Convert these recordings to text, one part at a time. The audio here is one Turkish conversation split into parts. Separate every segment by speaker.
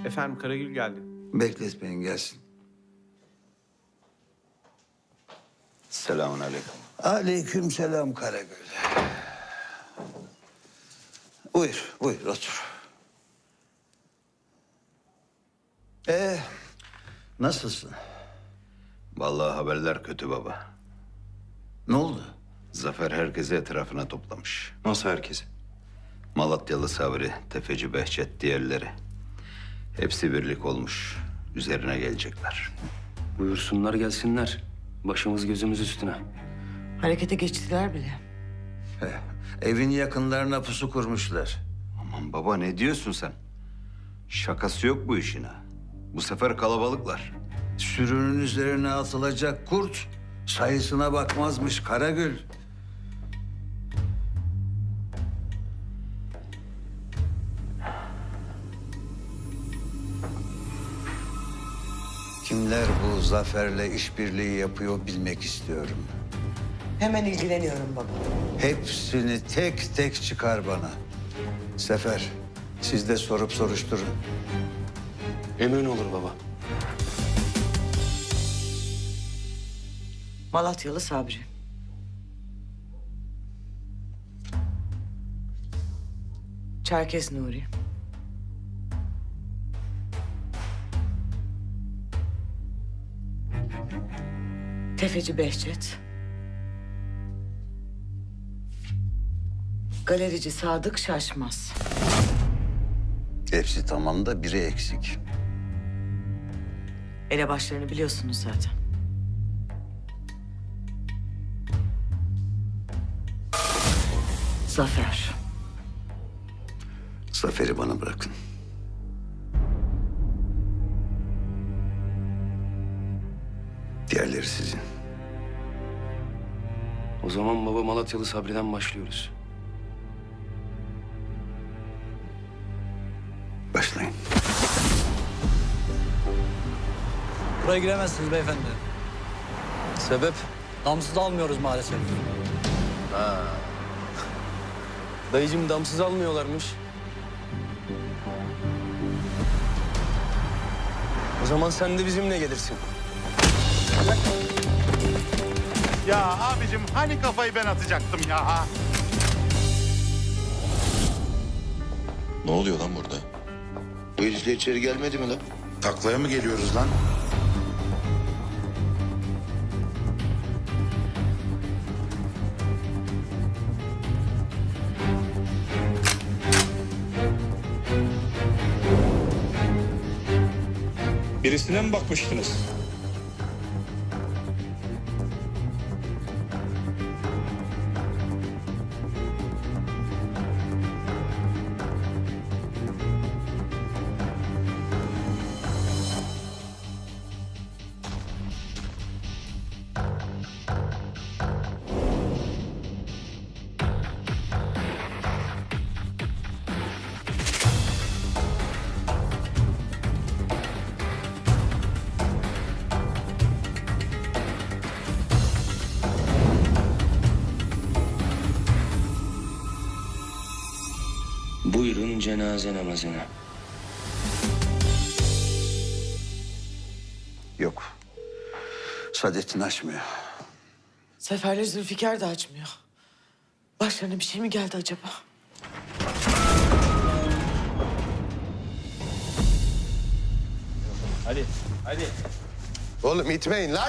Speaker 1: Efendim Karagül geldi.
Speaker 2: Bekletmeyin gelsin.
Speaker 3: Selamun aleyküm.
Speaker 2: Aleyküm selam Karagül. Buyur, buyur otur. Nasılsın?
Speaker 3: Vallahi haberler kötü baba.
Speaker 2: Ne oldu?
Speaker 3: Zafer herkesi etrafına toplamış.
Speaker 4: Nasıl herkesi?
Speaker 3: Malatyalı Sabri, Tefeci Behçet, diğerleri. Hepsi birlik olmuş. Üzerine gelecekler.
Speaker 4: Buyursunlar gelsinler. Başımız gözümüz üstüne.
Speaker 5: Harekete geçtiler bile.
Speaker 2: Evin yakınlarına pusu kurmuşlar.
Speaker 3: Aman baba ne diyorsun sen? Şakası yok bu işin ha. Bu sefer kalabalıklar.
Speaker 2: Sürünün üzerine atılacak kurt sayısına bakmazmış Karagül. Kimler bu Zafer'le işbirliği yapıyor bilmek istiyorum.
Speaker 5: Hemen ilgileniyorum baba.
Speaker 2: Hepsini tek tek çıkar bana. Sefer, siz de sorup soruşturun.
Speaker 4: Emrin olur baba.
Speaker 5: Malatyalı Sabri. Çerkez Nuri. Tefeci Behçet. Galerici Sadık Şaşmaz.
Speaker 2: Hepsi tamam da biri eksik.
Speaker 5: Elebaşlarını biliyorsunuz zaten. Zafer.
Speaker 2: Zafer'i bana bırakın. Diğerleri sizin.
Speaker 4: O zaman baba Malatyalı Sabri'den başlıyoruz.
Speaker 2: Başlayın.
Speaker 6: Buraya giremezsiniz beyefendi.
Speaker 4: Sebep?
Speaker 6: Damsız almıyoruz maalesef.
Speaker 4: Dayıcım damsız almıyorlarmış. O zaman sen de bizimle gelirsin.
Speaker 7: Ya abicim hani kafayı ben atacaktım ya.
Speaker 8: Ne oluyor lan burada?
Speaker 3: Bu herif de içeri gelmedi mi lan?
Speaker 8: Taklaya mı geliyoruz lan?
Speaker 9: Birisine mi bakmıştınız?
Speaker 4: Buyurun cenaze namazına.
Speaker 2: Yok. Saadettin açmıyor.
Speaker 5: Seferle Zülfikar da açmıyor. Başlarına bir şey mi geldi acaba?
Speaker 8: Oğlum itmeyin lan.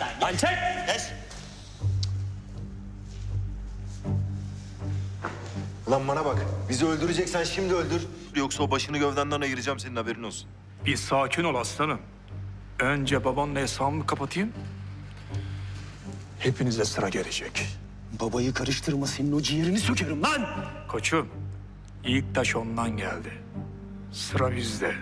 Speaker 10: Lan bana bak. Bizi öldüreceksen şimdi öldür. Yoksa o başını gövdenden ayıracağım, senin haberin olsun.
Speaker 9: Bir sakin ol aslanım. Önce babanla hesabımı kapatayım. Hepinize sıra gelecek.
Speaker 4: Babayı karıştırma, senin o ciğerini sökerim lan!
Speaker 9: Koçum, ilk taş ondan geldi. Sıra bizde.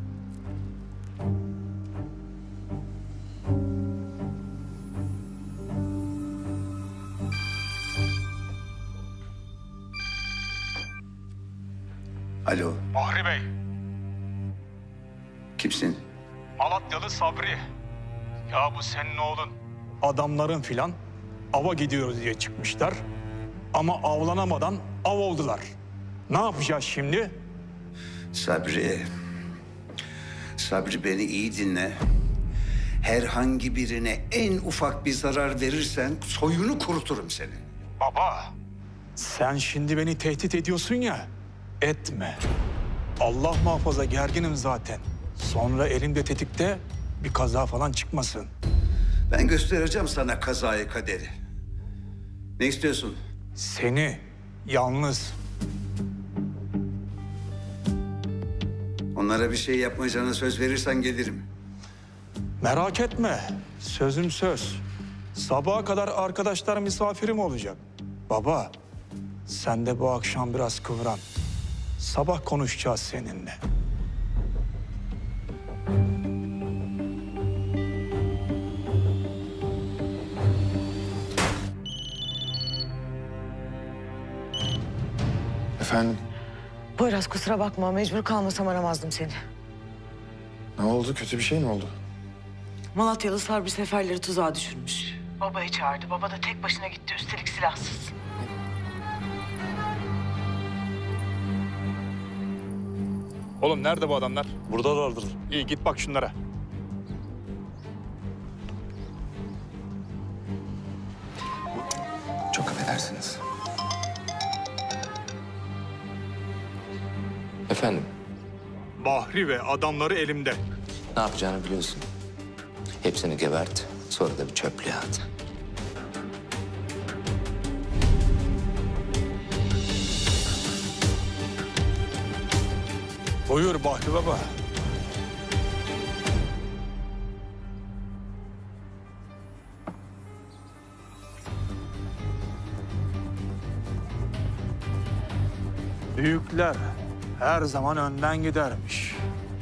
Speaker 2: Alo,
Speaker 9: Bahri Bey,
Speaker 2: kimsin?
Speaker 9: Malatyalı Sabri. Ya bu senin oğlun. Adamların filan ava gidiyoruz diye çıkmışlar. Ama avlanamadan av oldular. Ne yapacağız şimdi?
Speaker 2: Sabri, Sabri beni iyi dinle. Herhangi birine en ufak bir zarar verirsen soyunu kuruturum senin.
Speaker 9: Baba, sen şimdi beni tehdit ediyorsun ya, etme. Allah muhafaza gerginim zaten. Sonra elimde tetikte bir kaza falan çıkmasın.
Speaker 2: Ben göstereceğim sana kazayı kaderi. Ne istiyorsun?
Speaker 9: Seni yalnız.
Speaker 2: Onlara bir şey yapmayacağına söz verirsen gelirim.
Speaker 9: Merak etme, sözüm söz. Sabaha kadar arkadaşlar misafirim olacak. Baba, sen de bu akşam biraz kıvran. Sabah konuşacağız seninle.
Speaker 1: Efendim,
Speaker 5: Poyraz kusura bakma, mecbur kalmasam aramazdım seni.
Speaker 1: ne oldu? Kötü bir şey mi oldu?
Speaker 5: Malatyalı Sabri seferleri tuzağa düşürmüş. Babayı çağırdı. Baba da tek başına gitti, üstelik silahsız.
Speaker 9: Oğlum nerede bu adamlar?
Speaker 6: Buradalardır.
Speaker 9: İyi git bak şunlara.
Speaker 1: Çok affedersiniz.
Speaker 4: Efendim,
Speaker 9: Bahri ve adamları elimde.
Speaker 4: ne yapacağını biliyorsun. Hepsini gebert, sonra da bir çöplüğe at.
Speaker 9: Buyur Bahri Baba. Büyükler her zaman önden gidermiş.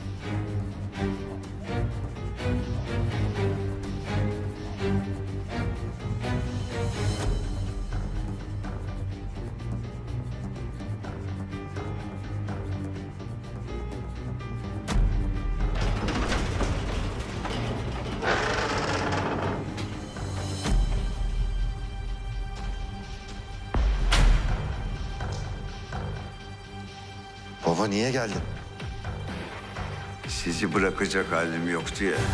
Speaker 8: Baba niye geldin?
Speaker 2: Sizi bırakacak halim yoktu ya.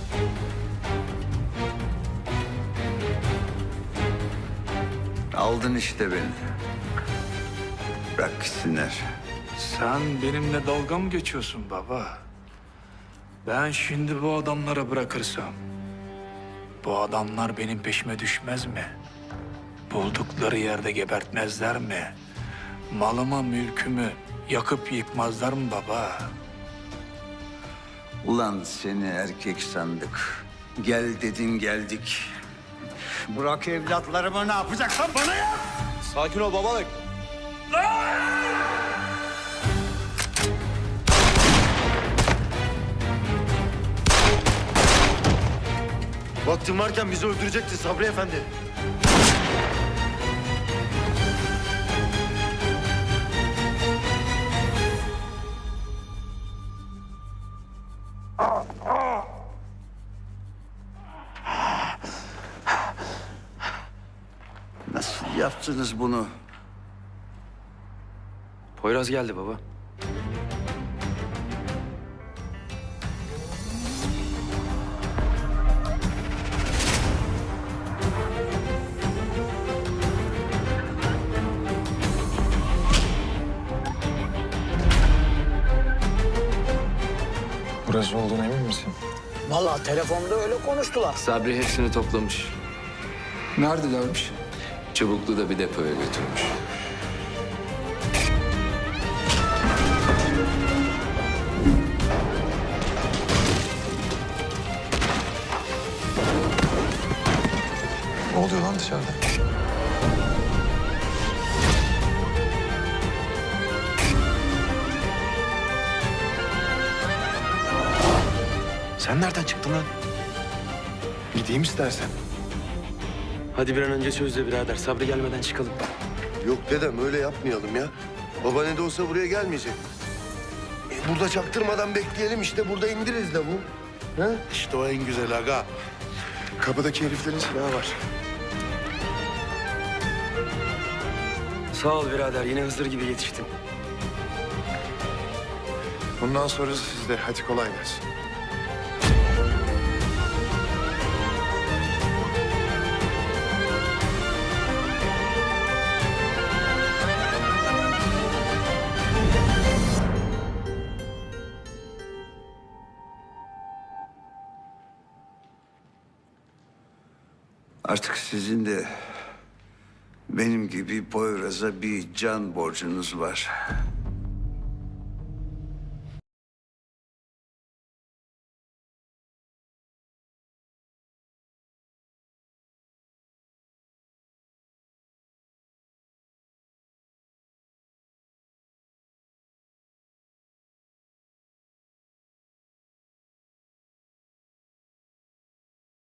Speaker 2: Aldın işte beni. Bırak gitsinler.
Speaker 9: Sen benimle dalga mı geçiyorsun baba? Ben şimdi bu adamlara bırakırsam, bu adamlar benim peşime düşmez mi? Buldukları yerde gebertmezler mi? Malımı, mülkümü yakıp yıkmazlar mı baba?
Speaker 2: Ulan seni erkek sandık. Gel dedin geldik. Bırak evlatlarımı, ne yapacaksan bana yap.
Speaker 10: Sakin ol babalık. Vaktin varken bizi öldürecektin Sabri Efendi.
Speaker 2: Nasıl yaptınız bunu?
Speaker 4: Poyraz geldi baba.
Speaker 1: Burası olduğuna emin misin?
Speaker 6: Vallahi telefonda öyle konuştular.
Speaker 4: Sabri hepsini toplamış.
Speaker 1: Neredelermiş?
Speaker 4: Çubuklu da bir depoya götürmüş.
Speaker 1: Ne oluyor lan dışarıda?
Speaker 10: Sen nereden çıktın lan?
Speaker 1: Gideyim istersen.
Speaker 4: Hadi bir an önce sözle birader. Sabri gelmeden çıkalım.
Speaker 8: Yok dedem öyle yapmayalım ya. Baba ne de olsa buraya gelmeyecek. Burada çaktırmadan bekleyelim işte burada indiririz de bu. Ha?
Speaker 10: İşte o en güzel aga.
Speaker 1: Kapıdaki heriflerin silahı var.
Speaker 4: Sağ ol birader. Yine Hızır gibi yetiştin.
Speaker 1: Bundan sonrası sizde. Hadi kolay gelsin.
Speaker 2: Artık sizin de benim gibi Poyraz'a bir can borcunuz var.